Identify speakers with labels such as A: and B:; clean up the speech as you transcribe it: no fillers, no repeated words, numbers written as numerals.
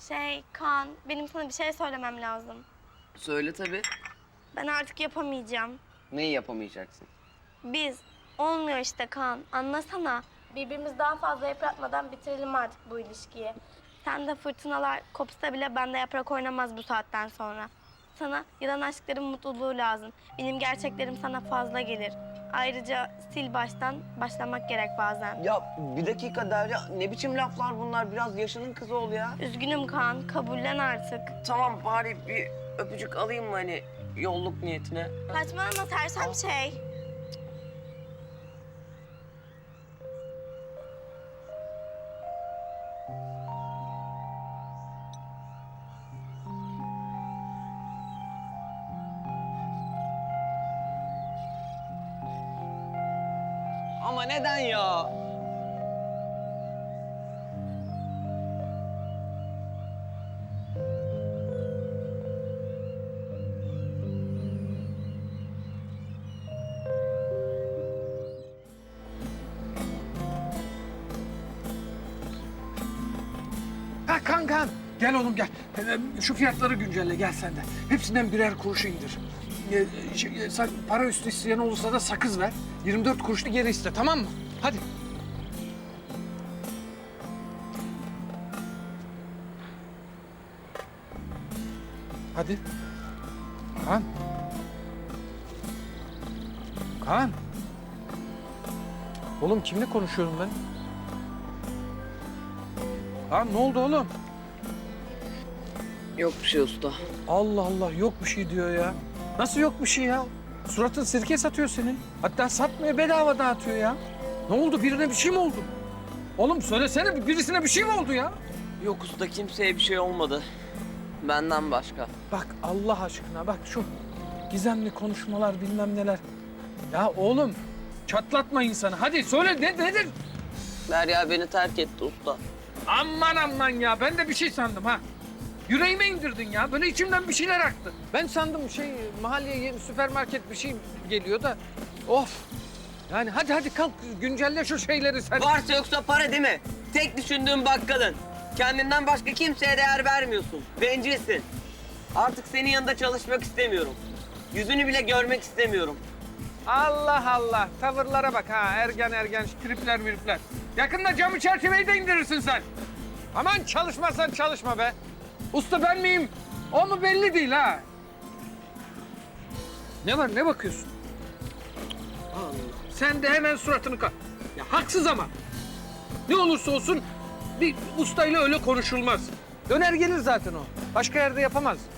A: Kaan, benim sana bir şey söylemem lazım.
B: Söyle tabii.
A: Ben artık yapamayacağım.
B: Neyi yapamayacaksın?
A: Biz, olmuyor işte Kaan, anlasana. Birbirimizi daha fazla yıpratmadan bitirelim artık bu ilişkiyi. Sen de fırtınalar kopsa bile bende yaprak oynamaz bu saatten sonra. Sana yılan aşkların mutluluğu lazım. Benim gerçeklerim sana fazla gelir. Ayrıca sil baştan başlamak gerek bazen.
B: Ya bir dakika Derya, ne biçim laflar bunlar? Biraz yaşının kızı ol ya.
A: Üzgünüm Kaan, kabullen artık.
B: Tamam, bari bir öpücük alayım mı hani yolluk niyetine?
A: Saçmalama sersem şey.
B: Ama neden ya?
C: Ha Kankan, gel oğlum gel. Şu fiyatları güncelle gel sen de. Hepsinden birer kuruşu indir. Sen para üstü isteyen olursa da sakız ver. 24 kuruşlu geri iste, tamam mı? Hadi. Hadi. Kaan. Kaan. Oğlum kimle konuşuyorum ben? Kaan ne oldu oğlum?
B: Yok bir şey usta.
C: Allah Allah yok bir şey diyor ya. Nasıl yok bir şey ya? Suratın sirke satıyor senin. Hatta satmıyor bedava dağıtıyor ya. Ne oldu birine bir şey mi oldu? Oğlum söylesene birisine bir şey mi oldu ya?
B: Yok usta, kimseye bir şey olmadı. Benden başka.
C: Bak Allah aşkına bak şu gizemli konuşmalar bilmem neler. Ya oğlum çatlatma insanı. Hadi söyle nedir?
B: Derya beni terk etti usta.
C: Aman aman ya ben de bir şey sandım ha. Yüreğime indirdin ya. Böyle içimden bir şeyler aktı. Ben sandım mahalleye yeni süpermarket bir şey geliyor da. Of. Yani hadi kalk güncelle şu şeyleri sen.
B: Varsa yoksa para değil mi? Tek düşündüğün bakkalın. Kendinden başka kimseye değer vermiyorsun. Bencilsin. Artık senin yanında çalışmak istemiyorum. Yüzünü bile görmek istemiyorum.
C: Allah Allah. Tavırlara bak ha. Ergen tripler miripler. Yakında camı çerçeveyi de indirirsin sen. Aman çalışmazsan çalışma be. Usta ben miyim? O mu belli değil ha. Ne var ne bakıyorsun? Allah. Sen de hemen suratını Ya haksız ama. Ne olursa olsun bir ustayla öyle konuşulmaz. Döner gelir zaten o. Başka yerde yapamaz.